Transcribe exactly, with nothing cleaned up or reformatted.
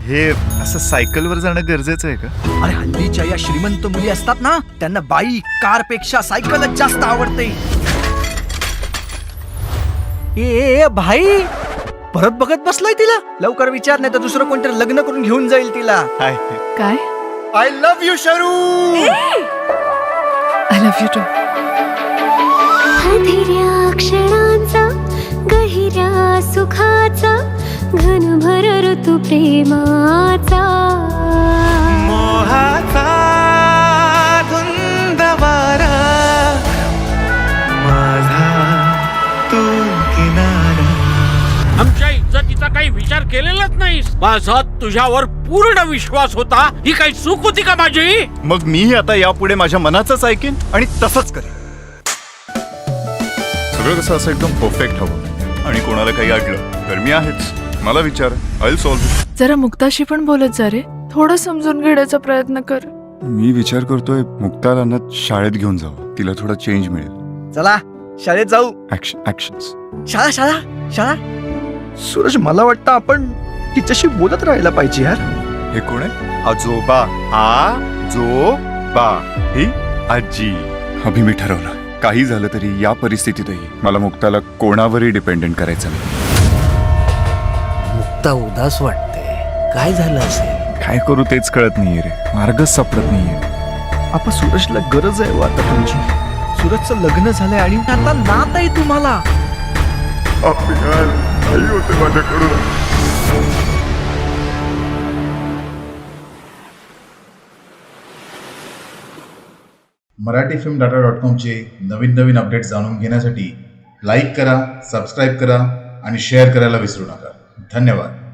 हे असं सायकलवर जाणं गरजेचं आहे का? अरे हल्लीच्या या श्रीमंत मुली असतात ना, त्यांना बाईक कार पेक्षा सायकलच जास्त आवडते. ए, ए ए, भाई परत बघत बसलाय तिला. लवकर विचार, नाही तर दुसरं कोणतरी लग्न करून घेऊन जाईल तिला. हाय. काय? I love you Sharu. I love you too. हधिऱ्या क्षणांचा गहिऱ्या सुखाचा घनभर ऋतू प्रेमाचा मोहाचा धुंद वारा माझा तू किनारा. आमच्या इज्जतीचा काही विचार केलेलाच नाहीस. माझा तुझ्यावर पूर्ण विश्वास होता. ही काही चूक होती का माझी? मग मी आता यापुढे माझ्या मनाचंच ऐकेन आणि तसंच करेन. सगळं कसं असं एकदम परफेक्ट हवं आणि कोणाला काही अडलं तर मी आहेच. मला विचार, आय विल सॉल्व्ह. जरा मुक्ताशी पण बोलत जा रे. थोडं समजून घेण्याचा प्रयत्न कर. मी विचार करतोय मुक्ताला ना शाळेत घेऊन जावं. तिला थोडा चेंज मिळेल. चला शाळेत जाऊ. ऍक्शन्स. शाळा शाळा शाळा. सूरज, मला वाटतं आपण तिच्याशी बोलत राहायला पाहिजे यार. हे कोण आहे? आजोबा. आजोबा ही आजी. अभि मी ठरवलं, काही झालं तरी या परिस्थितीतही मला मुक्ताला कोणावरही डिपेंडेंट करायचं नाही. मुक्ता उदास वाटते. काय झालं असेल? काय करू तेच कळत नाहीये रे. मार्गच सापडत नाहीये. आपण सूरजला गरज आहे आता तुमची. सूरजचं लग्न झालंय आणि आता नात आहे तुम्हाला. मराठी फिल्म डाटा डॉट कॉमचे नवीन नवीन अपडेट जाणून घेण्यासाठी लाईक करा, सबस्क्राईब करा आणि शेअर करायला विसरू नका. धन्यवाद.